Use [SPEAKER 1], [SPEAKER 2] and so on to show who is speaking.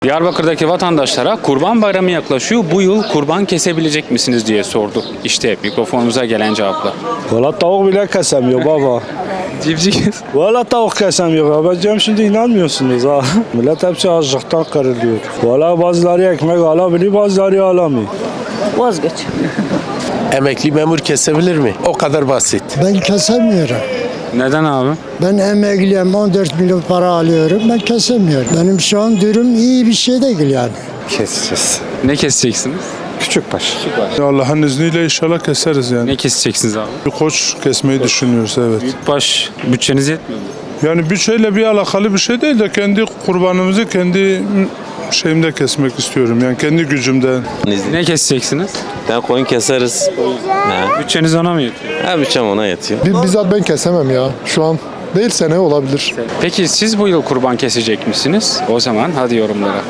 [SPEAKER 1] Diyarbakır'daki vatandaşlara Kurban Bayramı yaklaşıyor. Bu yıl kurban kesebilecek misiniz diye sorduk. İşte mikrofonumuza gelen cevaplar.
[SPEAKER 2] Valla tavuk bile kesemiyor baba.
[SPEAKER 1] Civciv kes.
[SPEAKER 2] Valla tavuk kesemiyor. Ben diyorum şimdi inanmıyorsunuz ha. Millet hepsi açlıktan kırılıyor. Valla bazıları ekmek alabiliyor, bazıları alamıyor.
[SPEAKER 3] Vazgeç.
[SPEAKER 4] Emekli memur kesebilir mi? O kadar basit.
[SPEAKER 5] Ben kesemiyorum.
[SPEAKER 1] Neden abi?
[SPEAKER 5] Ben emekliyim, 14 milyon para alıyorum. Ben kesemiyorum. Benim şu an durum iyi bir şey değil yani.
[SPEAKER 6] Keseceğiz.
[SPEAKER 1] Ne keseceksiniz?
[SPEAKER 6] Küçükbaş.
[SPEAKER 7] Allah'ın izniyle inşallah keseriz yani.
[SPEAKER 1] Ne keseceksiniz abi?
[SPEAKER 7] Bir koç kesmeyi düşünüyoruz, evet.
[SPEAKER 1] Büyükbaş bütçeniz yetmiyor mu?
[SPEAKER 7] Yani bütçeyle bir alakalı bir şey değil de kendi kurbanımızı kendi şeyimde kesmek istiyorum. Yani kendi gücümden.
[SPEAKER 1] Ne keseceksiniz?
[SPEAKER 8] Ben koyun keseriz.
[SPEAKER 1] Bütçeniz ona mı yetiyor?
[SPEAKER 8] Ha bütçem ona yetiyor.
[SPEAKER 9] Bizzat ben kesemem ya. Şu an değil, sene olabilir.
[SPEAKER 1] Peki siz bu yıl kurban kesecek misiniz? O zaman hadi yorumlara.